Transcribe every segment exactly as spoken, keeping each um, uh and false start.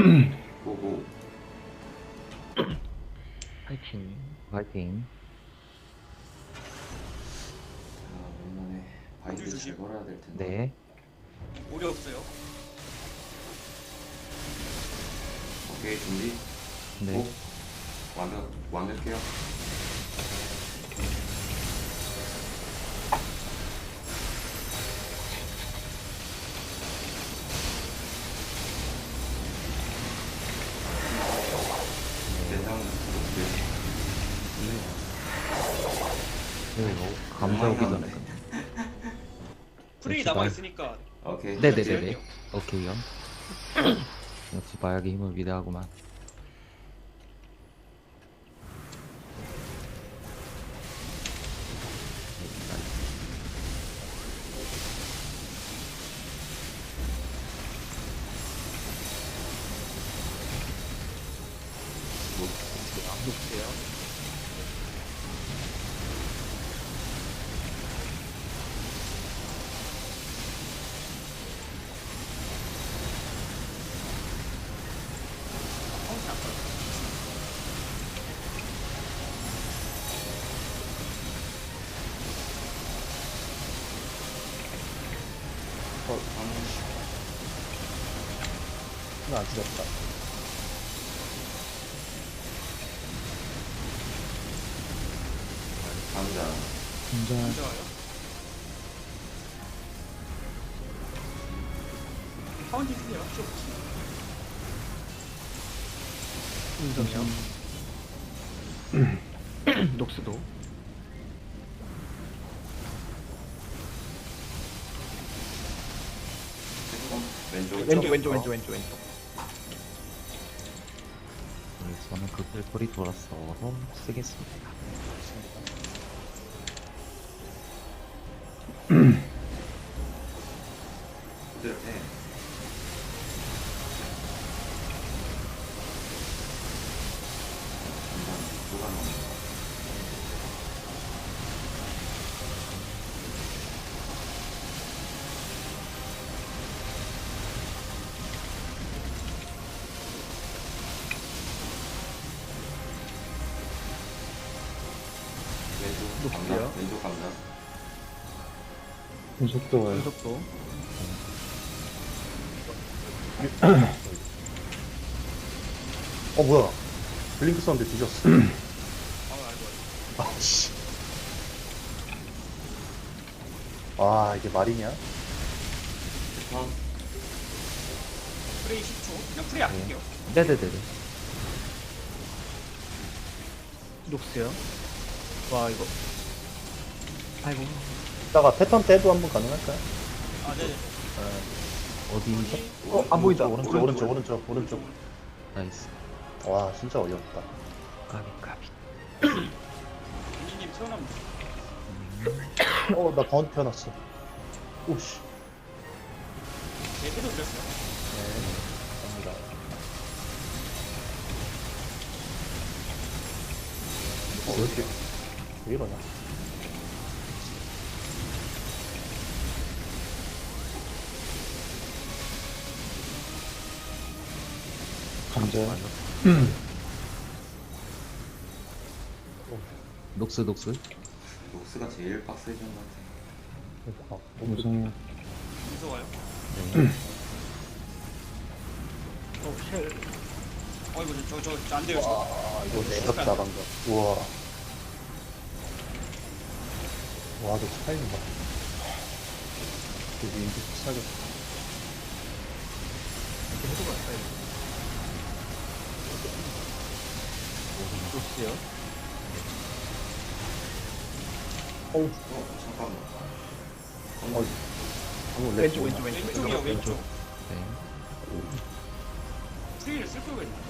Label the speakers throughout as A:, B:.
A: 고고.
B: 파이팅.
C: 화이팅.
A: 아, 오랜만에 바인드
D: 조심.
A: 잘 걸어야 될 텐데.
C: 네.
D: 오리 없어요.
A: 오케이, 준비.
C: 네.
A: 고. 완벽, 완벽해요. 대상 높게.
C: 그리고 감자 오기 전에.
D: 프레이
C: 역시
D: 남아
C: 말-
D: 있으니까.
A: 오케이.
C: 네네네네. 오케이요. 역시 마약의 힘을 위대하구만.
B: 녹세요.
E: 하나 안 죽였다.
A: 감자.
C: 감자.
D: 좋아요. 파운틴 쓰세요. 쇼.
B: 인정이요. 녹스도.
A: 왼쪽.
B: 왼쪽 왼쪽 왼쪽 왼쪽 왼쪽.
C: 네, 저는 그 펠토리 돌아서 쓰겠습니다.
A: 부드럽게. 감자 누가 넣는 왼쪽 감자.
B: 녹지요?
A: 왼쪽 감자.
E: 속도 와요.
B: 속도.
E: 어, 뭐야. 블링크 썼는데 뒤졌어.
D: 아, 알고 알고.
E: 아, 씨. 아, 이게 말이냐?
A: 턴.
D: 프레이 십 초. 그냥 프레이 아낄게요.
C: 네네네네.
B: 녹스요. 와 이거. 아이고.
E: 이따가 패턴 때도 한번 가능할까요?
D: 아, 네네.
C: 어디서?
B: 어, 안 보인다.
E: 오른쪽, 오른쪽, 오른쪽, 오른쪽.
C: 나이스.
E: 와, 진짜 어이없다.
C: 까비 까비.
D: 민지님 태어나면
E: 어, 나 가운데 태어났어. 오씨.
D: 제 해도 드렸어요.
E: 네, 갑니다. 어, 왜 이렇게, 왜 이러냐?
C: 감자. 녹스 녹스.
A: 녹스가 제일 빡세진 것 같아.
E: 아, 너무 무서워.
D: 무서워요.
C: 네.
D: 어, 쉘. 어, 이거 저, 저, 저 안 돼요, 지금.
E: 아, 이거 내가 나간다. 우와. 와, 너 스타일 봐. 여기 인기 비싸겠다.
B: 해도 갈까요? 녹스요.
E: 어우,
A: 어, 잠깐만.
E: 어, 너무 렉.
B: 왼쪽 왼쪽 왼쪽.
D: 왼쪽이요, 왼쪽.
C: 네.
D: 프레이를 쓸 거가 있나?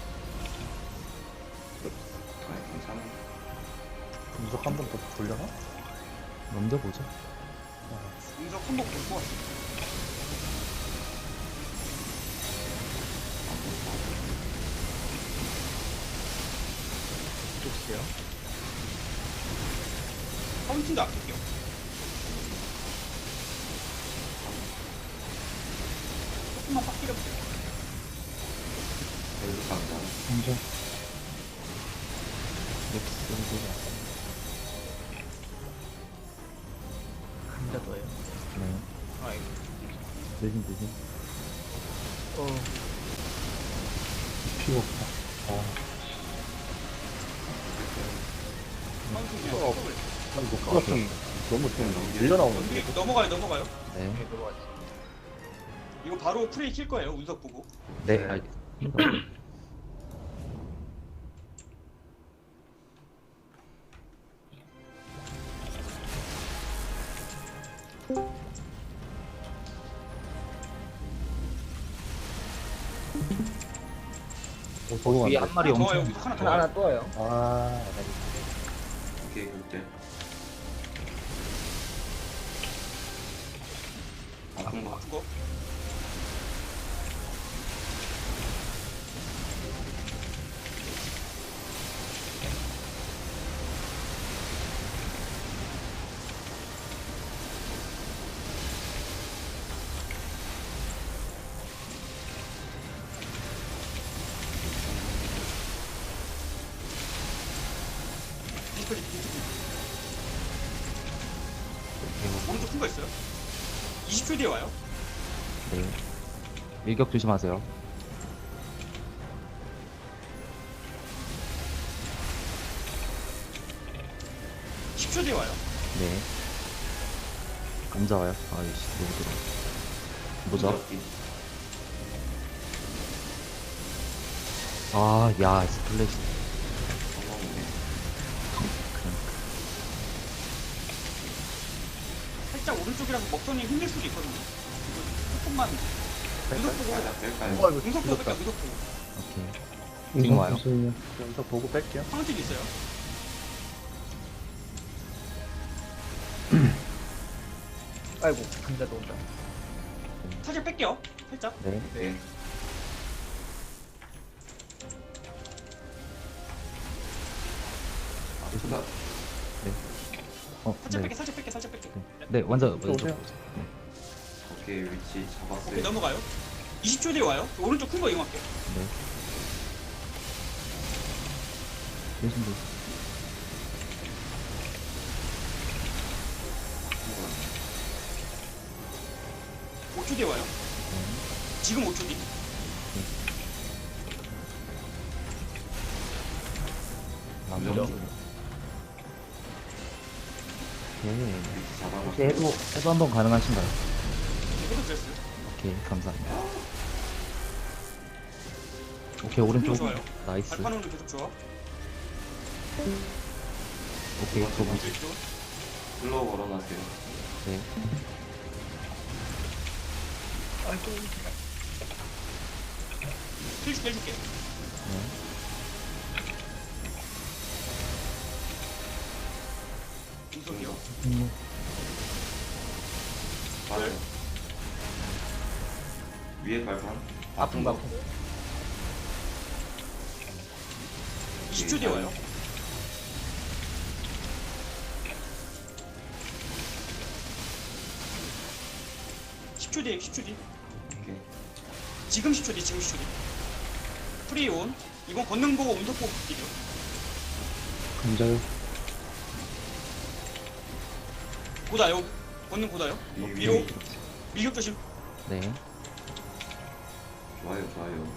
A: 아, 괜찮아.
E: 분석 한 번 더 돌려나?
C: 먼저 보죠.
D: 공석 한번 볼것 같아.
B: 녹스요.
D: 파운틴도 아낄게요. 조금만 빡 때려볼게요.
A: 계속 갑니다.
E: 감자.
C: 녹스
B: 감자 더요.
C: 네
B: 아이고.
C: 대신 대신
B: 어.
E: 피가 없다. 아,
D: 카운팅 그냥
E: 어.
D: 스톱을.
E: 아니, 녹수가 좀 너무 좀 밀려 나오는데.
D: 여기 넘어가요 넘어가요.
C: 네
B: 네, 넘어갔지.
D: 이거 바로 프레이 킬 거예요. 운석 보고.
C: 네 알겠습니다.
E: 어, 적응 안
C: 위에
E: 돼.
C: 한 마리
D: 하나 더
C: 엄청
D: 와요. 운석 하나 더
B: 하나
D: 와요.
B: 하나 또 와요.
E: 아,
A: 오케이, 극딜. 아픈 거.
D: 아픈 거. 디스플레이 디스플레이. 오른쪽 큰 거 있어요? 이십 초 뒤에 와요.
C: 네 일격 조심하세요.
D: 십 초 뒤에 와요.
C: 네 감자 와요. 아이씨 너무 들어. 뭐죠?
A: 무적기.
C: 아야 스플래시
A: 성공이네.
D: 살짝 오른쪽이라서 먹선이 힘들 수도 있거든요. 이거 조금만 운석 보고
A: 살짝 뺄까요?
B: 어, 이거
D: 운석 보고
B: 죽었다.
D: 뺄까 운석 보고.
C: 오케이 지금 와요.
E: 무슨 연서 보고 뺄게요.
D: 카운팅 있어요.
B: 아이고, 감자도 온다.
D: 살짝 뺄게요. 살짝.
C: 네
A: 네. 아프다.
C: 어,
D: 살짝
C: 네.
D: 뺄게 살짝 뺄게 살짝 뺄게.
C: 네 먼저
E: 또
C: 먼저
E: 오세요.
A: 오케이, 위치
D: 오케이
A: 잡았어요.
D: 넘어가요. 이십 초 뒤에 와요. 오른쪽 큰 거 이용할게요.
C: 네 대신 대신
D: 오 초 뒤에 와요. 지금 오 초 뒤.
C: 남자
A: 무적.
C: 오케이
A: 위치 잡아봤어요.
C: 혹시 해도 해도 한번 가능하신가요?
D: 해도 드렸어요.
C: 오케이 감사합니다. 오케이 오른쪽
D: 좋아요.
C: 나이스.
D: 발판으로 계속 좋아.
C: 오케이 저분
D: 왼쪽.
A: 슬로우 걸어놨어요.
C: 네
B: 아이고.
D: 힐 줄게 해줄게.
C: 네.
D: 운석이요.
A: 맞아요. 위에 발판.
B: 아픈 거 아픈 거.
D: 이십 초 뒤에 와요. 십 초 뒤에 십 초 뒤.
A: 오케이.
D: 지금 십 초 뒤 지금 십 초 뒤. 프리 온. 이건 걷는 보고 운석 보고 딜이요.
E: 감자요.
D: 고다요. 걷는 고다요.
A: 위,
D: 위로.
A: 위.
D: 밀격 조심.
C: 네
A: 좋아요, 좋아요.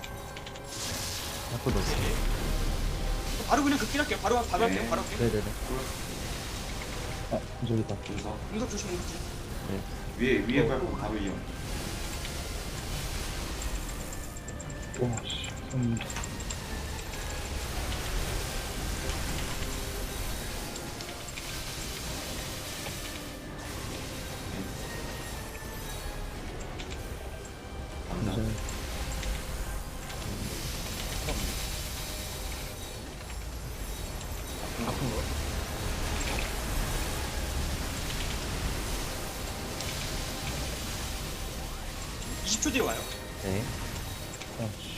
C: 한번 넣었어요.
D: 네. 바로 그냥 극딜 할게요. 바로 바로
A: 네.
D: 할게요. 바로 할게요.
C: 네네네
E: 아, 저기다.
A: 분석.
D: 운석 조심 운석 조심.
C: 네
A: 위에, 위에 발판 바로 이용.
E: 와, 씨. 음,
A: 감사.
E: 감자.
B: 아픈 거.
D: 이십 초 뒤에 와요.
C: 네
E: 아, 씨.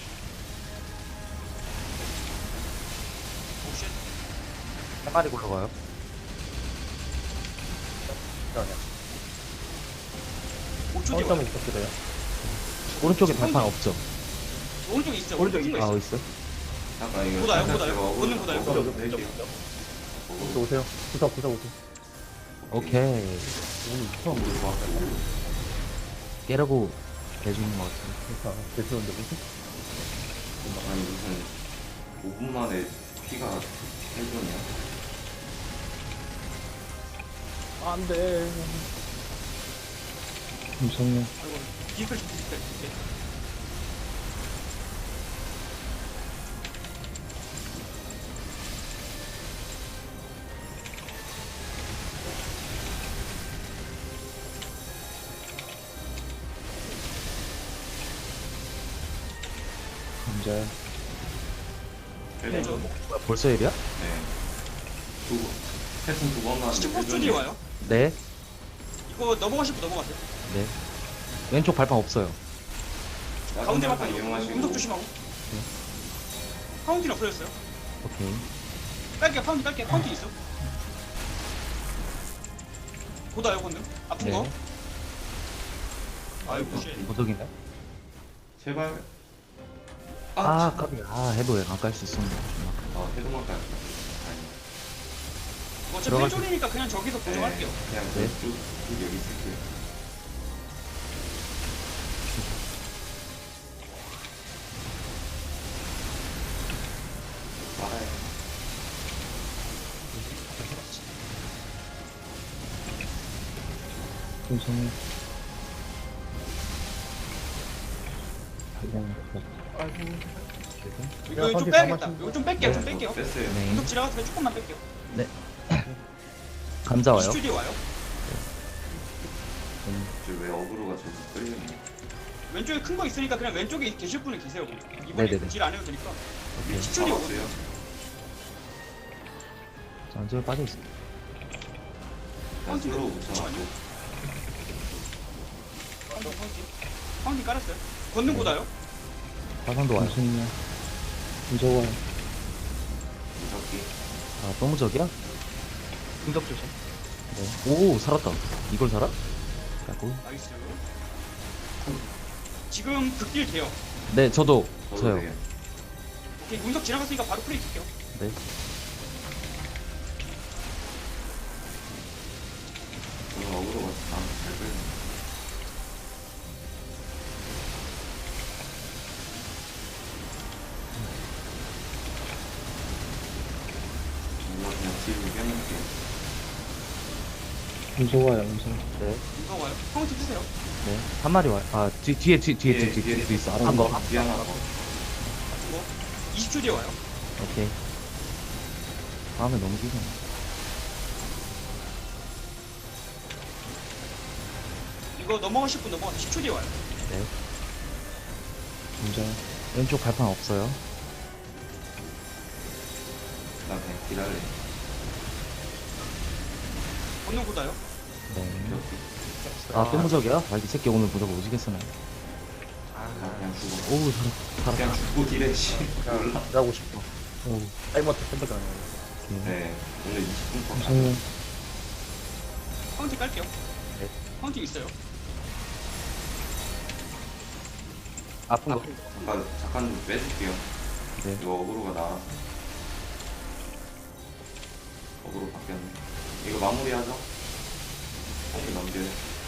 D: 오쉣.
C: 한 마리 굴러가요.
E: 아니야.
D: 오 초 뒤에 와요.
E: 처음에 부탁드려요.
C: 오른쪽에 발판 없죠?
D: 오른쪽에 있어.
B: 오른쪽에
D: 오른쪽에
C: 아
D: 있어.
C: 있어?
A: 잠깐 이거
D: 보다요,
A: 잠깐
D: 보다요.
A: 제가 어그로-
D: 보는 보다요.
A: 어그로
B: 보다요.
A: 낼게요.
E: 또 오세요. 구사, 구사 오세요.
C: 오케이.
E: 오늘 처음
A: 어그로 봐.
C: 깨라고 해주는 것 같아.
E: 구사. 개수는데 무슨?
A: 아니 무슨 오 분 만에 피가 해줬냐?
E: 안 돼. 잠시만요.
D: 아이고, 디스플 좀 디스플. 오케이.
E: 감자.
D: 네, 저
C: 뭐야, 벌써 일이야?
A: 네. 두 번. 패턴 두 번만.
D: 십오 초 뒤에 와요.
C: 네.
D: 이거 넘어가실 분 넘어가세요.
C: 네. 왼쪽 발판 없어요.
D: 가운데
A: 발판
D: 막판
A: 이용하시고.
D: 운석 조심하고. 파운틴 없어졌어요.
C: 오케이.
D: 깔게요. 파운틴 깔게요. 파운틴 있어. 보다요, 건능. 아픈
C: 네.
D: 거. 아이고, 씨.
C: 무적이네.
A: 제발.
C: 아, 까비. 아, 해도 안 깔 수 있었는데.
A: 아 해도만 깔. 아니.
D: 어차피
C: 들어가시-
D: 펜졸이니까 그냥 저기서
A: 네,
D: 고정할게요.
A: 그냥
C: 네.
A: 쭉, 쭉 여기 있을게요. 말아요.
E: 잠시만요. 그냥
B: 아이고.
D: 이거 좀
E: 파운틴
D: 빼야겠다.
E: 가만히
D: 이거 좀 뺄게요. 좀
A: 네,
D: 뺄게요.
A: 뺐어요.
C: 네.
D: 운석 지나갔으면 조금만 뺄게요.
C: 감자 와요.
D: 이십 초 뒤에 와요.
A: 저왜 어그로가 저기 끌리냐?
D: 왼쪽에 큰 거 있으니까 그냥 왼쪽에 계실 분이 계세요. 이번에
C: 네네네.
D: 딜 안 해도 되니까.
C: 오케이.
D: 십 초 뒤에
A: 없어요.
D: 오거든요.
C: 전술 빠져있어.
A: 난 스로 붙여놨고.
D: 잠시만요. 파운틴, 파운틴. 파운틴 깔았어요. 걷는 보다요.
C: 화산도 와요.
E: 잠시만요. 무서워요.
A: 무섭기.
C: 아, 또 무적이야?
B: 운석 조심.
C: 네. 오, 살았다. 이걸 살아? 까고.
D: 나이스. 지금 극딜 돼요.
C: 네, 저도.
A: 저도
C: 저요.
A: 돼요.
D: 오케이, 운석 지나갔으니까 바로 프레이 킬게요.
C: 네.
A: 오늘 어그로가 나한테 잘 끌리네. 뭔가 그냥 뒤로 빼놓을게요.
E: 무서워요, 무서워.
C: 네.
D: 운석 와요. 파운틴 주세요.
C: 네. 한 마리 와요. 아, 뒤, 뒤에, 뒤, 뒤에, 뒤에, 뒤에, 뒤에, 뒤에 있어. 한 거.
A: 뒤에 하나 더.
D: 같은 거. 이십 초 뒤에 와요.
C: 오케이. 다음에 너무 길어.
D: 이거 넘어가실 분 넘어가. 십 초 뒤에 와요.
C: 네.
E: 감자.
C: 왼쪽 발판 없어요.
A: 나 그냥 기다려.
D: 걷는 보다요.
C: 네.
A: 이렇게.
C: 아, 또 무적이야? 아, 이 새끼 오늘 무적 오지게 쓰네.
A: 나 그냥 죽어.
C: 오우, 살았, 살았다.
A: 그냥 죽고 딜해, 씨. 몰라.
E: 일하고 싶어.
C: 오우.
E: 타이머트 선택 안 해요.
C: 오케이.
A: 네. 오늘 이십 분 컷.
E: 잠시만요.
D: 파운틴 깔게요.
C: 네.
D: 파운틴 있어요.
C: 아픈 거.
A: 잠깐, 잠깐 좀 빼줄게요.
C: 네.
A: 이거 어그로가 나와서. 어그로 바뀌었네. 이거 마무리하죠? 다시 넘겨요.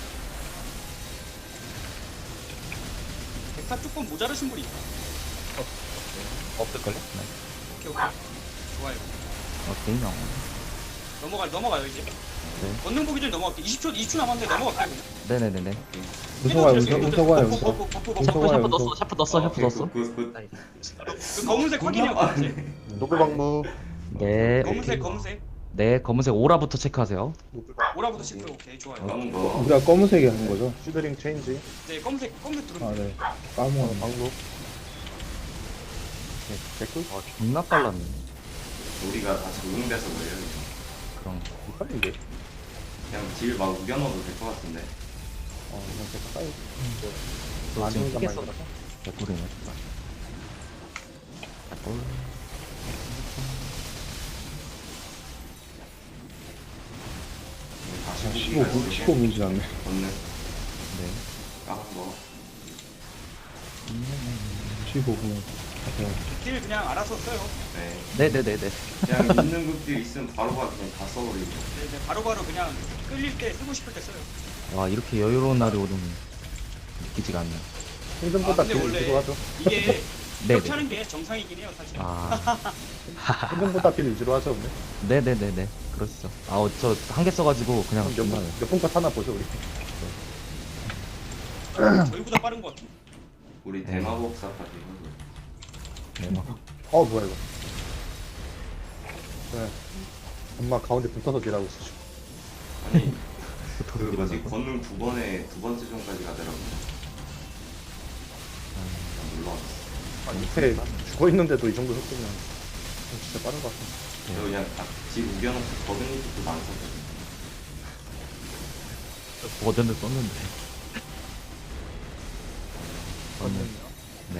D: 백사 조금 모자르신 분이 있다.
C: 없을걸요? 네.
D: 오케이, 오케이. 좋아요.
C: 오케이, 어.
D: 넘어가, 넘어가요, 이제.
C: 네.
D: 걷는 보기 전에 넘어갈게. 이십 초, 이십 초 남았는데 넘어갈게요.
C: 네네네네.
E: 무서워요, 무서워, 무서워요,
D: 버프,
E: 무서워.
D: 버프, 버프, 버프.
E: 무서워요,
C: 샤프
E: 무서워.
C: 넣었어, 샤프 넣었어, 샤프 넣었어.
A: 그, 그,
D: 그 검은색 확인해요, 검은색.
E: 노블방무.
C: 네.
D: 검은색, 검은색.
C: 네, 검은색 오라부터 체크하세요.
D: 오라부터 체크. 오케이, 좋아요.
A: 그, 더.
E: 우리가 검은색이 하는 거죠? 슈드링 체인지.
D: 네, 검은색, 검은색
E: 아,
D: 들어오면
E: 네. 까먹었네. 방무.
C: 댓글? 아, 존나 빨랐네.
A: 우리가 다 적응돼서 그래요. 이거.
C: 그럼.
E: 빨리 이게.
A: 그냥 딜 막 우겨 넣어도 될 것 같은데.
E: 어, 이건 제가 빨리.
C: 너 지금
E: 많이
C: 피겠어.
E: 올라가요.
C: 댓글이네. 댓글.
A: 다시
E: 아,
A: 후기가
E: 십오 분,
A: 있으면
E: 십오 분 지났네.
A: 얻는
C: 네.
A: 까만 거.
E: 십오 분 하세요.
D: 딜 그냥 알아서 써요.
A: 네.
C: 네네네네.
A: 그냥 있는 극딜 있으면 바로바로 그냥 다 써버리고.
D: 네, 네, 바로바로 그냥 끌릴 때 쓰고 싶을 때 써요.
C: 와, 이렇게 여유로운 날이 오는 믿기지가 않네.
E: 힘든보다
D: 아, 근데
E: 딜
D: 원래-
E: 위주로 하죠.
D: 이게
C: 네네.
D: 이렇게 하는 게 정상이긴 해요, 사실.
C: 아,
E: 힘든보다 딜 위주로 하죠, 근데.
C: 네네네네. 그러시죠. 아, 어, 저 한 개 써가지고 그냥
E: 몇,
C: 정말
E: 분- 몇 분컷 하나 보죠, 우리.
D: 저희보다 빠른 것 같은데.
A: 우리
C: 네.
A: 대마법사 파티 하고.
C: 네, 막
E: 어, 뭐야, 이거. 네. 엄마 가운데 붙어서 딜하고 있어.
A: 아니 그
C: 붙어서
A: 뭐지
C: 일어나고.
A: 권능 두 번에 두 번째 전까지 가더라고. 놀라웠어.
E: 아, 밑에 죽어 있는데도 이 정도 속도면 진짜 빠른 것 같은데.
A: 저 그냥 딱집 우겨놓고 버든이 쪽도 안 썼거든.
C: 버전을 썼는데. 저는 네.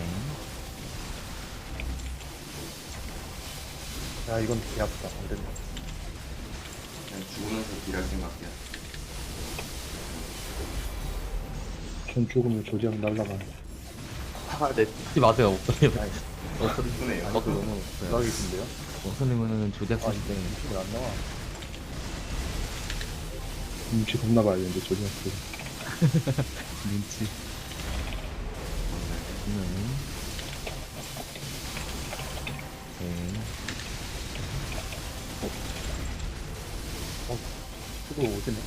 E: 야, 이건 개 아프다. 안 된다.
A: 그냥 죽으면서 딜할 생각이야.
E: 전 죽으면 조지랑 날라가.
C: 아, 네. 듣지 마세요, 목소리.
E: 아니,
A: 이쁘네요.
E: 아니, 그 너무 대박이신데요?
C: 목소리는 조작
E: 아,
C: 시스템.
E: 이게 왜 안 나와? 눈치 겁나 봐야 되는데, 조지랑 그.
C: 눈치. 음. 네.
E: 수도 오지네.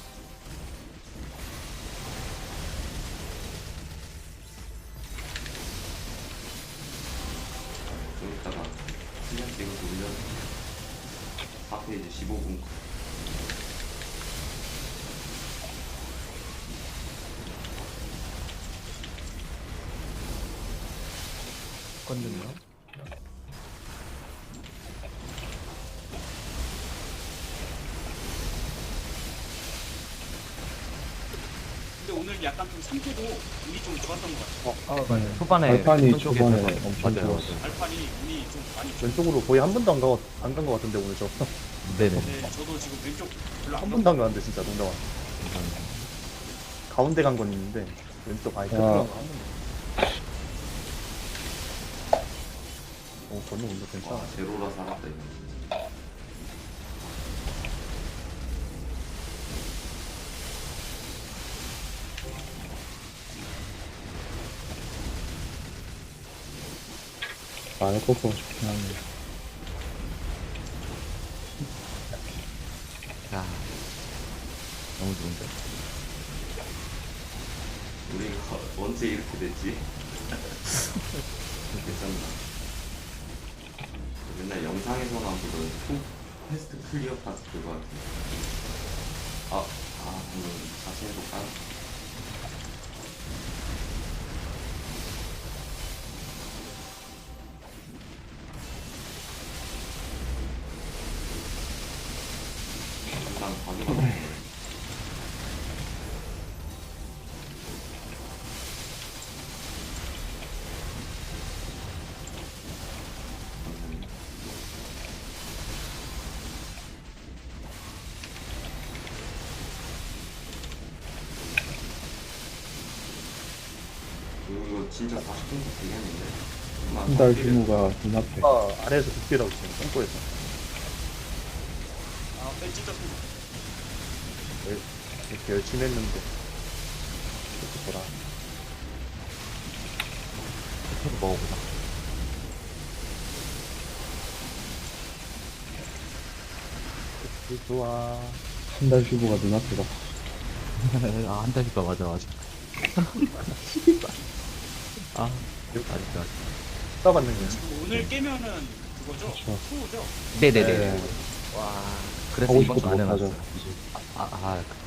A: 좀 이따가 시간 찍어서 올려. 사 페이지 십오 분.
B: 건드네요.
D: 근데 오늘 약간 좀 상태도 운이 좀 좋았던 것 같아요.
B: 아, 맞아요.
C: 초반에
E: 발판이
C: 오른쪽에
E: 초반에
C: 있어서-
E: 엄청
C: 맞아요.
E: 좋았어요.
D: 발판이 운이 좀 많이 좋
E: 왼쪽으로 거의 한 번도 안 가, 안 간 것 같은데, 오늘 저.
C: 네네.
D: 네, 저도 지금 왼쪽 별로
E: 한
D: 안
E: 번도 안 가는데, 진짜, 농담. 가운데 간 건 있는데, 왼쪽 아예 끝으로 한 번도. 어, 건너 운도 괜찮아.
A: 와 제로라 살았다 이거.
E: 안에 꺾고 좋긴 하네.
C: 야, 너무 좋은데?
A: 우리가 언제 이렇게 됐지? 괜찮다. 맨날 영상에서만 보던 푸 퀘스트 클리어 파트 그거 같은데. 아, 아, 한번 다시 해볼까? 일단 가져가 볼게요. 이거 진짜 사십 분도 되겠는데?
E: 한 달 휴무가 눈앞에. 아, 아래에서 극딜하고 있어요. 똥꼬에서.
D: 아, 뺀 찢었습니다.
E: 이렇게 열심히 했는데. 이렇게 보라.
C: 해도 먹어보자.
E: 그 좋아. 한 달 휴무가 눈앞이다.
C: 아, 한 달이니까 맞아, 맞아. 아, 아직도 아직.
E: 싸받는 거야.
D: 지금 오늘 깨면은 그거죠?
E: 그렇죠.
D: 투죠?
C: 네네네.
E: 네.
C: 와, 그래서
E: 하고
C: 이번
E: 싶어도
C: 주안
E: 못
C: 해놨어.
E: 하죠.
C: 아, 아, 그-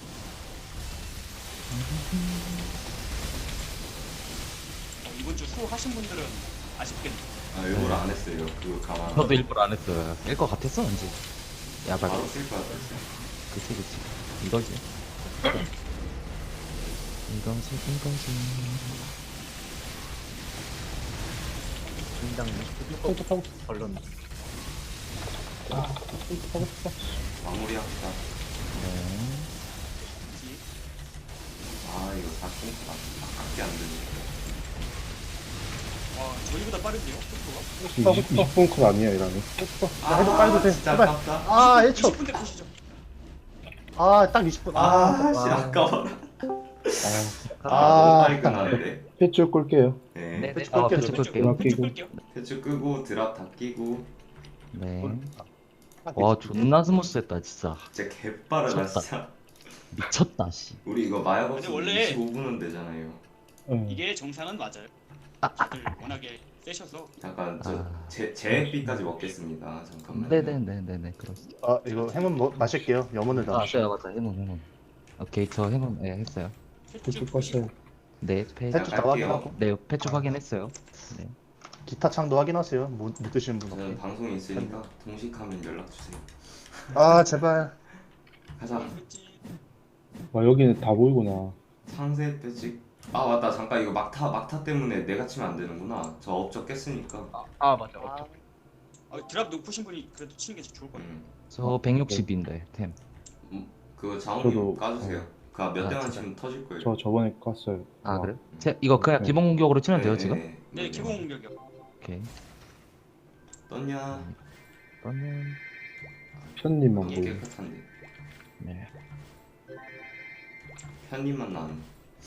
D: 어, 이번 주 수 하신 분들은 아쉽겠네요.
A: 아, 일부러 안 했어요. 그거 가만.
C: 저도 일부러 안 했어요. 깰 것 같았어, 왠지. 야발.
A: 바로 쓸 거야, 그랬어.
C: 그치, 그치. 이거지. 이거지, 이거지.
B: 긴장
E: 똥꼬 타고
B: 걸렸네.
E: 똥꼬 타고 싶어.
A: 마무리합시다.
C: 네.
D: 그치?
A: 아, 이거 사십 분 밖에 안 되네.
D: 저희보다 빠른데요? 속도가?
E: 후파 후파 이십 분 컷 아니에요 이러면. 후파. 야, 해도 깔도 돼.
A: 진짜
E: 제발.
A: 아깝다.
E: 아 일 초.
D: 이십 분대 보시죠.
E: 아딱 이십 분.
A: 아, 씨,
B: 와.
A: 아까워라.
E: 아,
A: 아, 너무 빨리 끝나는데.
F: 펫줄 끌게요.
A: 네.
C: 네네.
E: 패치
C: 어,
E: 끌게요,
C: 패치
D: 왼쪽,
C: 끌게요.
D: 왼쪽 끌게요.
A: 패치 끄고 드랍 다 끼고.
C: 네.
E: 아,
C: 와 존나 스무스했다 진짜.
A: 진짜 개빠르다,
C: 미쳤다.
A: 진짜.
C: 미쳤다 씨.
A: 우리 이거 마약
D: 근데
A: 없으면
D: 원래-
A: 이십오 분은 되잖아요.
F: 응.
D: 이게 정상은 맞아요. 다들 워낙에 세셔서.
A: 잠깐, 저,
C: 아.
A: 제, 제비까지 먹겠습니다. 잠깐만요.
C: 네네네네네 그렇습니다.
E: 아 이거 해문 뭐, 마실게요. 염원을
C: 아
E: 다.
C: 맞아요 맞아 해몬 해몬. 오케이 저 해몬 예 했어요.
F: 펫줄 껐어요.
C: 네 패.
E: 패치 다
A: 갈게요.
E: 확인하고.
C: 네 패치 확인했어요. 네.
E: 기타 창도 확인하세요. 못, 못 드시는 분
A: 저는
E: 없게.
A: 방송이 있으니까 동식하면 연락주세요.
E: 아 제발.
A: 가자.
F: 와 여기는 다 보이구나.
A: 상세 빼지. 아 맞다, 잠깐 이거 막타 막타 때문에 내가 치면 안 되는구나. 저 업적 깼으니까.
B: 아 맞아.
D: 아, 드랍 높으신 분이 그래도 치는 게 좋을 것 같아요.
A: 음.
C: 저 백육십인데 템.
A: 그 자원님
F: 저도-
A: 까주세요. 그 몇
C: 아,
A: 대만
C: 진짜.
A: 치면 터질 거예요.
F: 저 저번에 깠어요.
C: 아
F: 와.
C: 그래? 제 이거 그냥
F: 네.
C: 기본 공격으로 치면 돼요
A: 네,
C: 지금?
A: 네,
D: 네, 기본 공격이요.
C: 오케이.
A: 떴냐?
C: 그러면
F: 편님만
A: 이게
F: 보여.
A: 깨끗한데.
C: 네.
A: 편님만 나는.